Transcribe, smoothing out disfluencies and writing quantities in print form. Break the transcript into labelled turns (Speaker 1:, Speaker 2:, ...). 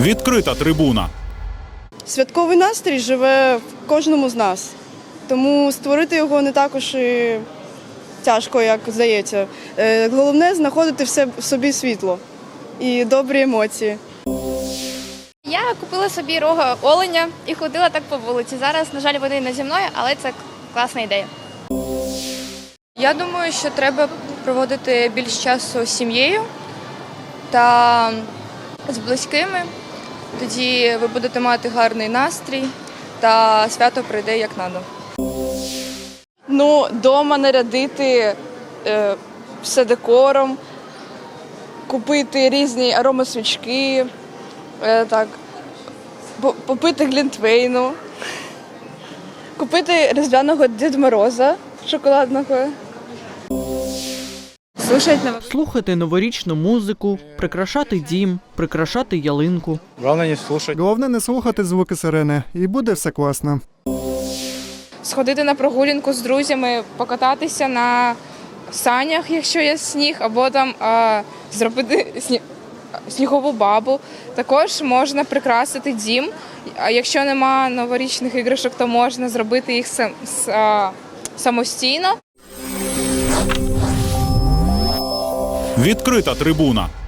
Speaker 1: Відкрита трибуна.
Speaker 2: Святковий настрій живе в кожному з нас, тому створити його не також і тяжко, як здається. Головне – знаходити в собі світло і добрі емоції.
Speaker 3: Я купила собі рога оленя і ходила так по вулиці. Зараз, на жаль, вони не зі мною, але це класна ідея.
Speaker 4: Я думаю, що треба проводити більше часу з сім'єю та з близькими. Тоді ви будете мати гарний настрій та свято прийде як надо.
Speaker 5: Дома нарядити все декором, купити різні аромасвічки, попити глінтвейну, купити різдвяного Діда Мороза шоколадного.
Speaker 6: Слухати новорічну музику, прикрашати дім, прикрашати ялинку.
Speaker 7: Головне не слухати звуки сирени, і буде все класно.
Speaker 8: Сходити на прогулянку з друзями, покататися на санях, якщо є сніг, або там зробити снігову бабу. Також можна прикрасити дім. А якщо нема новорічних іграшок, то можна зробити їх самостійно.
Speaker 1: Відкрита трибуна.